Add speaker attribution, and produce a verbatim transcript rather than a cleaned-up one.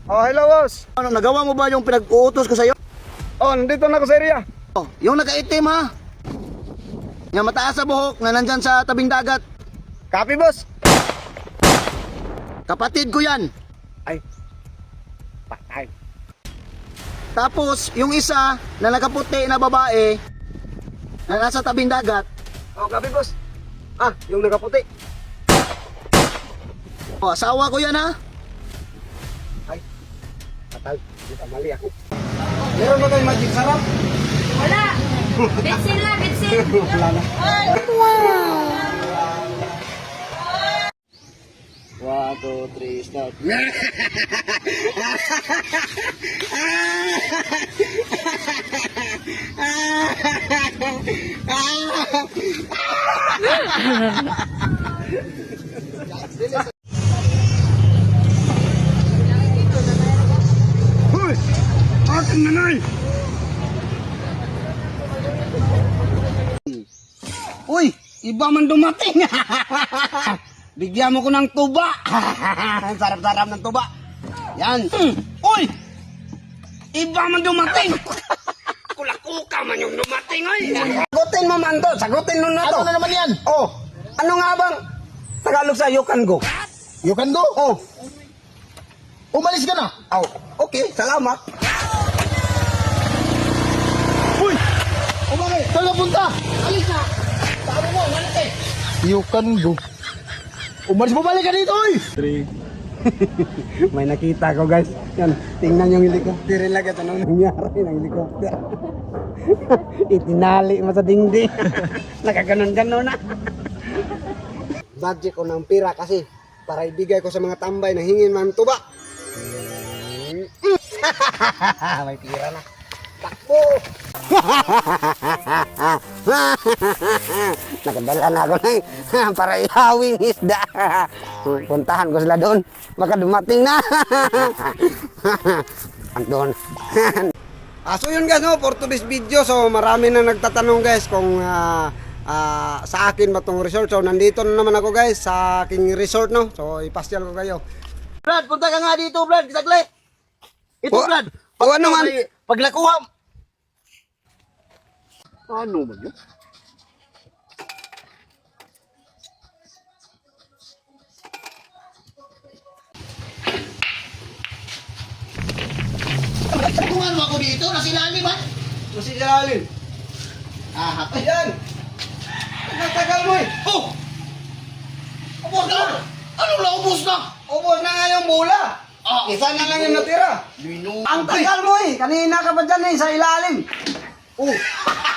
Speaker 1: Oh, hello boss.
Speaker 2: Ano, nagawa mo ba yung pinag-uutos ko sa'yo?
Speaker 1: Oh, nandito na ako sa area.
Speaker 2: Oh, yung naka-itim ha? Yung mataas sa buhok na nandyan sa tabing dagat.
Speaker 1: Copy boss.
Speaker 2: Kapatid ko yan.
Speaker 1: Ay. Patay.
Speaker 2: Tapos, yung isa na nakaputi na babae na nasa tabing dagat.
Speaker 1: Oh, copy boss. Ah, yung nakaputi.
Speaker 2: Oh, asawa ko yan ha?
Speaker 1: Ay. Patay. Dito mali ako. Meron ba tayong magic sarap?
Speaker 3: Wala! Bitsin lang, bitsin!
Speaker 1: Wala na.
Speaker 2: One, two, three, start.
Speaker 1: Hoy! Aking nanay!
Speaker 2: Uy, iba man dumating. Bigyan mo ko ng tuba. Sarap-sarap ng tuba. Yan. Mm. Uy! Iba man dumating. Kulakuka man yung dumating, ay. Sagutin mo man to. Sagutin mo na to.
Speaker 4: Ano na naman yan?
Speaker 2: Oh, ano nga bang Tagalog sa you can go?
Speaker 4: You can go?
Speaker 2: Oh,
Speaker 4: Umalis ka na.
Speaker 2: oh, okay, salamat.
Speaker 4: Uy! Umalis! Saan ka punta? Alis na! Sabi mo, umalis eh! You can go. Umalis, bumalik ka dito, oy!
Speaker 1: May nakita ko guys. Yan, tingnan yung helicopter lang ito nang nangyari ng helicopter. Itinali mo sa dingding. Nakaganon-ganon na. Budget ko ng pira kasi para ibigay ko sa mga tambay na hingin man tuba. May pira na. Takbo! Nakadala na ako ng para ihawing isda. Puntahan ko sila doon. Baka dumating na. Andun. Ah, so yun guys, no, for today's video. So marami na nagtatanong guys kung ah, ah, sa akin ba tong resort. So nandito na naman ako guys sa aking resort, no. So ipasyal ko kayo.
Speaker 2: Brad, punta ka nga dito, Brad. Saglit. Ito,
Speaker 1: O-
Speaker 2: Brad.
Speaker 1: o ano man?
Speaker 2: Pag nakuha. Ano man yun? Tungan mo ako dito, nasilali ba?
Speaker 1: Masih jalalin.
Speaker 2: Ah, hapay.
Speaker 1: Ayan. Nagtagal mo eh.
Speaker 2: Oh! Ubus na! Ano na, ubus na?
Speaker 1: Ubos na nga yung bola.
Speaker 2: Ah,
Speaker 1: Isa na lang yung natira.
Speaker 2: Lino.
Speaker 1: Ang tagal mo eh. Kanina ka pa dyan eh, sa ilalim.
Speaker 2: Oh!